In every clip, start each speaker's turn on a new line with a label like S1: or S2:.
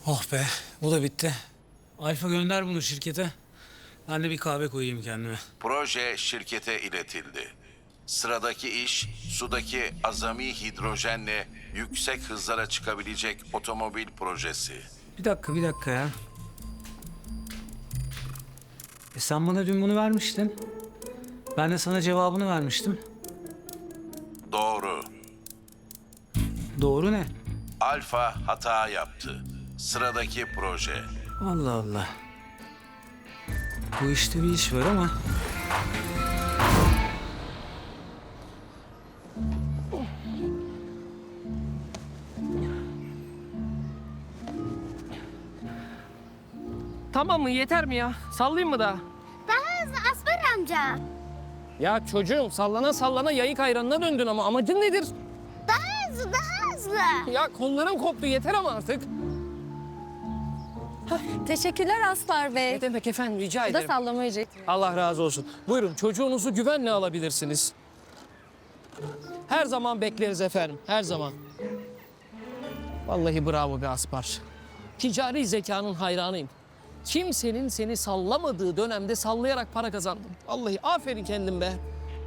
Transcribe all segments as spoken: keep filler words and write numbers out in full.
S1: Oh be, bu da bitti. Alfa gönder bunu şirkete. Ben de bir kahve koyayım kendime.
S2: Proje şirkete iletildi. Sıradaki iş, sudaki azami hidrojenle yüksek hızlara çıkabilecek otomobil projesi.
S1: Bir dakika, bir dakika ya. E sen bana dün bunu vermiştin. Ben de sana cevabını vermiştim.
S2: Doğru.
S1: Doğru ne?
S2: Alfa hata yaptı. Sıradaki proje.
S1: Allah Allah. Bu işte bir iş var ama...
S3: Tamam mı? Yeter mi ya? Sallayayım mı daha?
S4: Daha hızlı Asfer amca.
S3: Ya çocuğum sallana sallana yayık ayranına döndün ama amacın nedir?
S4: Daha hızlı, daha hızlı.
S3: Ya kollarım koptu yeter ama artık.
S5: Teşekkürler Aslar Bey.
S3: Ne demek efendim rica
S5: Bu da
S3: ederim.
S5: sallamayacak.
S3: Allah razı olsun. Buyurun çocuğunuzu güvenle alabilirsiniz. Her zaman bekleriz efendim, her zaman. Vallahi bravo be Aspar. Ticari zekanın hayranıyım. Kimsenin seni sallamadığı dönemde sallayarak para kazandım. Vallahi aferin kendim be.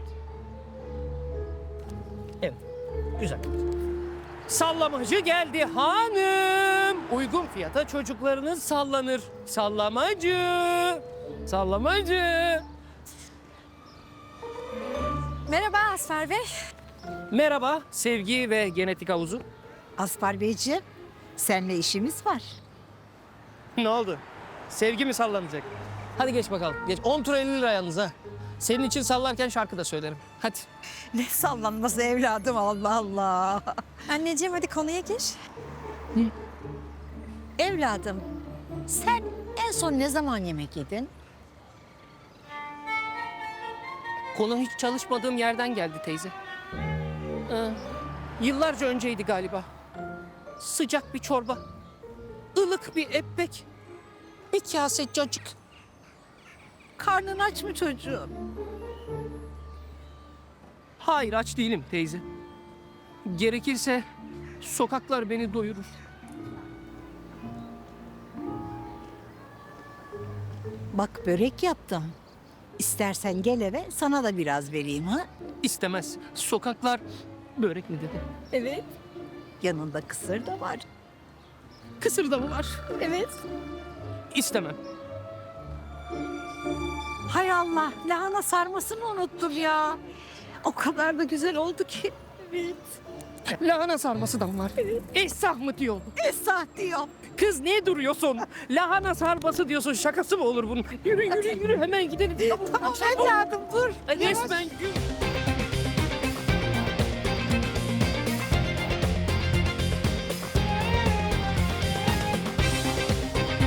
S3: Evet, güzel. Sallamacı geldi hanım. Uygun fiyata çocuklarınız sallanır. Sallamacı. Sallamacı.
S5: Merhaba Asfer Bey.
S3: Merhaba sevgi ve genetik havuzu.
S6: Aspar Beyciğim, seninle işimiz var.
S3: Ne oldu? Sevgi mi sallanacak? Hadi geç bakalım. Geç. on tur elli lira yalnız ha. Senin için sallarken şarkı da söylerim. Hadi.
S6: Ne sallanması evladım, Allah Allah.
S5: Anneciğim hadi konuya gir.
S6: Evladım, sen en son ne zaman yemek yedin?
S3: Konu hiç çalışmadığım yerden geldi teyze. Ee, yıllarca önceydi galiba. Sıcak bir çorba. Ilık bir ekmek. Bir kase cacık.
S6: Karnın aç mı çocuğum?
S3: Hayır aç değilim teyze. Gerekirse sokaklar beni doyurur.
S6: Bak börek yaptım. İstersen gel eve, sana da biraz vereyim ha.
S3: İstemez. Sokaklar börek mi dedi?
S6: Evet. Yanında kısır da var.
S3: Kısır da mı var?
S6: Evet.
S3: İstemem.
S6: Hay Allah, lahana sarmasını unuttum ya. O kadar da güzel oldu ki. Evet.
S3: Lahana sarması da mı var? Esah mı diyor?
S6: Esah diyorum.
S3: Kız ne duruyorsun? Lahana sarması diyorsun. Şakası mı olur bunun? Yürü yürü yürü hemen gidelim.
S6: Tamam evladım dur.
S3: Resmen gün